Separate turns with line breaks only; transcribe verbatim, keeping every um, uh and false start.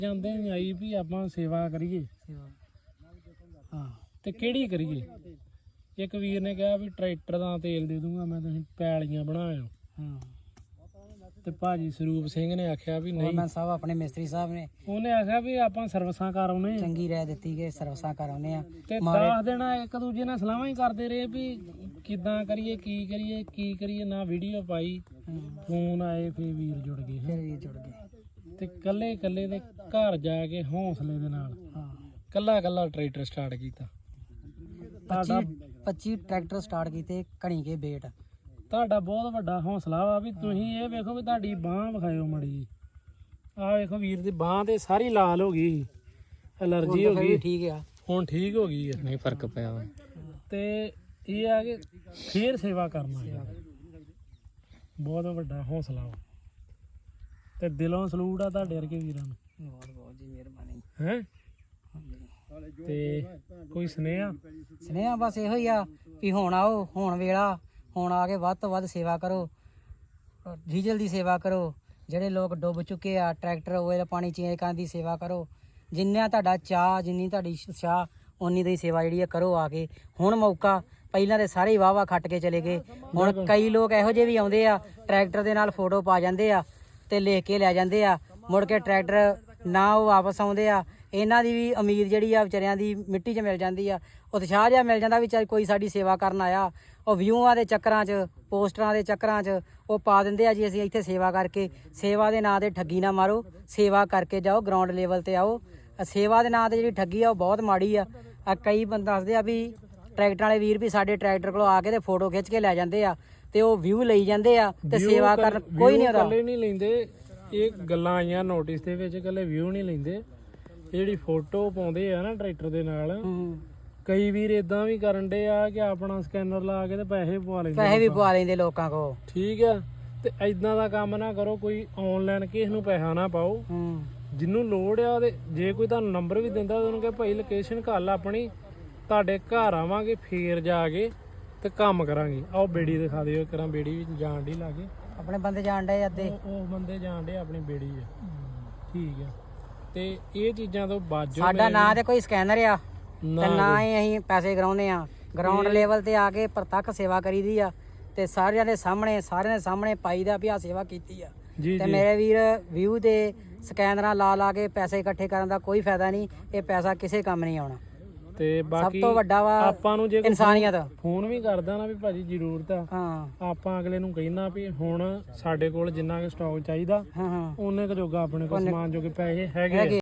ਜਾਂਦੇ ਨਹੀਂ ਆਈ ਵੀ ਆਪਾਂ ਸੇਵਾ ਕਰੀਏ ਹਾਂ ਤੇ ਕਿਹੜੀ ਕਰੀਏ। ਇੱਕ ਵੀਰ ਨੇ ਕਿਹਾ ਵੀ ਟਰੈਕਟਰ ਦਾ ਤੇਲ ਦੇ ਦੂੰਗਾ ਮੈਂ, ਤੁਸੀਂ ਪੈਲੀਆਂ ਬਣਾਇਓ। ਹਾਂ ਤੇ ਭਾਜੀ ਸਰੂਪ ਸਿੰਘ ਨੇ ਆਖਿਆ ਵੀ ਨਹੀਂ,
ਮੈਂ ਸਾਹਿਬ ਆਪਣੇ ਮਿਸਤਰੀ ਸਾਹਿਬ ਨੇ
ਉਹਨੇ ਆਖਿਆ ਵੀ ਆਪਾਂ ਸਰਵਿਸਾਂ ਕਰ ਆਉਨੇ,
ਚੰਗੀ ਰਹਿ ਦਿੱਤੀ ਕਿ ਸਰਵਿਸਾਂ ਕਰ ਆਉਨੇ ਆ।
ਤੇ ਦਸ ਦਿਨ ਇੱਕ ਦੂਜੇ ਨਾਲ ਸਲਾਹਾਂ ਹੀ ਕਰਦੇ ਰਹੇ ਵੀ ਕਿੱਦਾਂ ਕਰੀਏ, ਕੀ ਕਰੀਏ ਕੀ ਕਰੀਏ। ਨਾ ਵੀਡੀਓ ਪਾਈ, ਫੋਨ ਆਏ, ਫੇਰ ਵੀਰ ਜੁੜ ਗਏ।
ਫਿਰ ਵੀਰ ਜੁੜ ਗਏ
ਤੇ ਕੱਲੇ ਕੱਲੇ ਦੇ ਘਰ ਜਾ ਕੇ ਹੌਸਲੇ ਦੇ ਨਾਲ
ਹਾਂ
ਕੱਲਾ ਕੱਲਾ ਟਰੈਕਟਰ ਸਟਾਰਟ ਕੀਤਾ। ਤੁਹਾਡਾ
ਪੱਚੀ ਟਰੈਕਟਰ ਸਟਾਰਟ ਕੀਤੇ ਘਣੀ ਕੇ ਬੇਟ।
ਤੁਹਾਡਾ ਬਹੁਤ ਵੱਡਾ ਹੌਸਲਾ ਵਾ ਵੀ ਤੁਸੀਂ ਇਹ ਵੇਖੋ ਵੀ ਤੁਹਾਡੀ ਬਾਂਹ ਵਿਖਾਇਓ ਮੜੀ। ਆਹ ਵੇਖੋ ਵੀਰ ਦੀ ਬਾਂਹ ਤੇ ਸਾਰੀ ਲਾਲ ਹੋ ਗਈ, ਐਲਰਜੀ ਹੋ ਗਈ,
ਠੀਕ ਆ
ਹੁਣ ਠੀਕ ਹੋ ਗਈ ਹੈ।
ਨਹੀਂ ਫਰਕ ਪਿਆ ਵਾ।
ਤੇ ਇਹ ਆ ਕਿ ਫੇਰ ਸੇਵਾ ਕਰਨਾ ਬਹੁਤ ਵੱਡਾ ਹੌਸਲਾ ਵਾ ਤੇ ਦਿਲੋਂ ਸਲੂਟ ਆ ਤੁਹਾਡੇ ਵਰਗੇ ਵੀਰਾਂ ਨੂੰ।
ਬਹੁਤ ਬਹੁਤ ਜੀ ਮਿਹਰਬਾਨੀ
ਹੈ ਤੇ ਕੋਈ ਸੁਨੇਹਾ
ਸੁਨੇਹਾ ਬਸ ਇਹੋ ਹੀ ਆ ਵੀ ਹੁਣ ਆਓ, ਹੁਣ ਵੇਲਾ, ਹੁਣ ਆ ਕੇ ਵੱਧ ਤੋਂ ਵੱਧ ਸੇਵਾ ਕਰੋ, ਡੀਜ਼ਲ ਦੀ ਸੇਵਾ ਕਰੋ। ਜਿਹੜੇ ਲੋਕ ਡੁੱਬ ਚੁੱਕੇ ਆ ਟਰੈਕਟਰ ਓਇਲ ਪਾਣੀ ਚੇਂਜ ਕਰਨ ਦੀ ਸੇਵਾ ਕਰੋ। ਜਿੰਨਾ ਤੁਹਾਡਾ ਚਾਹ, ਜਿੰਨੀ ਤੁਹਾਡੀ ਚਾਹ, ਉਨੀ ਦੀ ਸੇਵਾ ਜਿਹੜੀ ਆ ਕਰੋ ਆ ਕੇ। ਹੁਣ ਮੌਕਾ, ਪਹਿਲਾਂ ਤੇ ਸਾਰੇ ਵਾਹ ਵਾਹ ਖੱਟ ਕੇ ਚਲੇ ਗਏ, ਹੁਣ ਕਈ ਲੋਕ ਇਹੋ ਜਿਹੇ ਵੀ ਆਉਂਦੇ ਆ ਟਰੈਕਟਰ ਦੇ ਨਾਲ ਫੋਟੋ ਪਾ ਜਾਂਦੇ ਆ ਤੇ ਲਿਖ ਕੇ ਲੈ ਜਾਂਦੇ ਆ, ਮੁੜ ਕੇ ਟਰੈਕਟਰ ਨਾ ਉਹ ਵਾਪਸ ਆਉਂਦੇ ਆ। ਇਹਨਾਂ ਦੀ ਵੀ ਉਮੀਦ ਜਿਹੜੀ ਆ ਵਿਚਾਰਿਆਂ ਦੀ ਮਿੱਟੀ 'ਚ ਮਿਲ ਜਾਂਦੀ ਆ, ਉਤਸ਼ਾਹ ਜਿਹਾ ਮਿਲ ਜਾਂਦਾ ਵੀ ਚੱਲ ਕੋਈ ਸਾਡੀ ਸੇਵਾ ਕਰਨ ਆਇਆ। ਉਹ ਵਿਊਆਂ ਦੇ ਚੱਕਰਾਂ 'ਚ, ਪੋਸਟਰਾਂ ਦੇ ਚੱਕਰਾਂ 'ਚ ਉਹ ਪਾ ਦਿੰਦੇ ਆ ਜੀ ਅਸੀਂ ਇੱਥੇ ਸੇਵਾ ਕਰਕੇ। ਸੇਵਾ ਦੇ ਨਾਂ 'ਤੇ ਠੱਗੀ ਨਾ ਮਾਰੋ, ਸੇਵਾ ਕਰਕੇ ਜਾਓ, ਗਰਾਊਂਡ ਲੈਵਲ 'ਤੇ ਆਓ। ਸੇਵਾ ਦੇ ਨਾਂ 'ਤੇ ਜਿਹੜੀ ਠੱਗੀ ਆ ਉਹ ਬਹੁਤ ਮਾੜੀ ਆ। ਕਈ ਬੰਦੇ ਦੱਸਦੇ ਆ ਵੀ ਟਰੈਕਟਰ ਵਾਲੇ ਵੀਰ ਵੀ ਸਾਡੇ ਟਰੈਕਟਰ ਕੋਲ ਆ ਕੇ ਤੇ ਫੋਟੋ ਖਿੱਚ ਕੇ ਲੈ ਜਾਂਦੇ ਆ ਤੇ ਉਹ ਵਿਊ ਲਈ ਜਾਂਦੇ ਆ ਤੇ ਸੇਵਾ ਕਰਨ ਕੋਈ ਨਹੀਂ ਉਹਦਾ।
ਇਕੱਲੇ ਨਹੀਂ ਲੈਂਦੇ, ਇਹ ਗੱਲਾਂ ਆਈਆਂ ਨੋਟਿਸ ਦੇ ਵਿੱਚ, ਇਕੱਲੇ ਵਿਊ ਨਹੀਂ ਲੈਂਦੇ। ਜਿਹੜੀ ਫੋਟੋ ਪਾਉਂਦੇ ਆ ਨਾ ਟਰੈਕਟਰ ਦੇ ਨਾਲ, ਕਈ ਵੀਰ ਇਦਾਂ ਵੀ ਕਰਨ ਦੇ ਆ ਕਿ ਆਪਣਾ ਸਕੈਨਰ ਲਾ ਕੇ ਤੇ ਪੈਸੇ ਪਵਾ ਲੈਂਦੇ,
ਪੈਸੇ ਵੀ ਪਵਾ ਲੈਂਦੇ ਲੋਕਾਂ ਕੋਲ।
ਠੀਕ ਆ, ਤੇ ਇਦਾਂ ਦਾ ਕੰਮ ਨਾ ਕਰੋ। ਕੋਈ ਆਨਲਾਈਨ ਕਿਸੇ ਨੂੰ ਪੈਸਾ ਨਾ ਪਾਓ। ਜਿਹਨੂੰ ਲੋੜ ਆ ਉਹਦੇ, ਜੇ ਕੋਈ ਤੁਹਾਨੂੰ ਨੰਬਰ ਵੀ ਦਿੰਦਾ ਉਹਨੂੰ ਕਹੇ ਭਾਈ ਲੋਕੇਸ਼ਨ ਘੱਲ ਆਪਣੀ, ਤੁਹਾਡੇ ਘਰ ਆਵਾਂਗੇ, ਫੇਰ ਜਾ ਕੇ ਤੇ ਕੰਮ ਕਰਾਂਗੇ। ਆਓ ਬੇੜੀ ਦਿਖਾ ਦਿਓ ਕਰਾਂ, ਬੇੜੀ ਵੀ ਜਾਣ ਡੀ ਲਾਗੇ,
ਆਪਣੇ ਬੰਦੇ ਜਾਣ ਡੇ ਅੱਧੇ,
ਉਹ ਬੰਦੇ ਜਾਣ ਡੇ ਆਪਣੀ ਬੇੜੀ ਆ। ਠੀਕ ਆ, ਤੇ ਇਹ ਚੀਜ਼ਾਂ ਤੋਂ ਬਾਜੋ।
ਸਾਡਾ ਨਾਂ ਤੇ ਕੋਈ ਸਕੈਨਰ ਆ ਤੇ ਨਾ ਹੀ ਅਸੀਂ ਪੈਸੇ ਕਰਾਉਂਦੇ ਆ। ਗਰਾਊਂਡ ਲੈਵਲ ਤੇ ਆ ਕੇ ਪ੍ਰਤੱਖ ਸੇਵਾ ਕਰੀਦੀ ਆ ਤੇ ਸਾਰਿਆਂ ਦੇ ਸਾਹਮਣੇ, ਸਾਰਿਆਂ ਦੇ ਸਾਹਮਣੇ ਪਾਈਦਾ ਵੀ ਆ ਸੇਵਾ ਕੀਤੀ ਆ। ਤੇ ਮੇਰੇ ਵੀਰ ਵਿਊ ਤੇ ਸਕੈਨਰਾਂ ਲਾ ਲਾ ਕੇ ਪੈਸੇ ਇਕੱਠੇ ਕਰਨ ਦਾ ਕੋਈ ਫਾਇਦਾ ਨਹੀਂ, ਇਹ ਪੈਸਾ ਕਿਸੇ ਕੰਮ ਨਹੀਂ ਆਉਣਾ।
ਤੇ ਬਾਕੀ
ਸਭ ਤੋਂ ਵੱਡਾ ਵਾ
ਆਪਾਂ ਨੂੰ ਜੇ
ਇਨਸਾਨੀਅਤ।
ਫੋਨ ਵੀ ਕਰਦਾ ਨਾ ਵੀ ਭਾਜੀ ਜ਼ਰੂਰਤ ਆ,
ਹਾਂ
ਆਪਾਂ ਅਗਲੇ ਨੂੰ ਕਹਿਣਾ ਵੀ ਹੁਣ ਸਾਡੇ ਕੋਲ ਜਿੰਨਾ ਕੁ ਸਟਾਕ ਚਾਹੀਦਾ
ਹਾਂ ਹਾਂ
ਉਹਨੇ ਕੁ ਜੋਗਾ ਆਪਣੇ ਕੋਲ ਸਮਾਨ ਜੋਗੇ ਪੈਸੇ ਹੈਗੇ।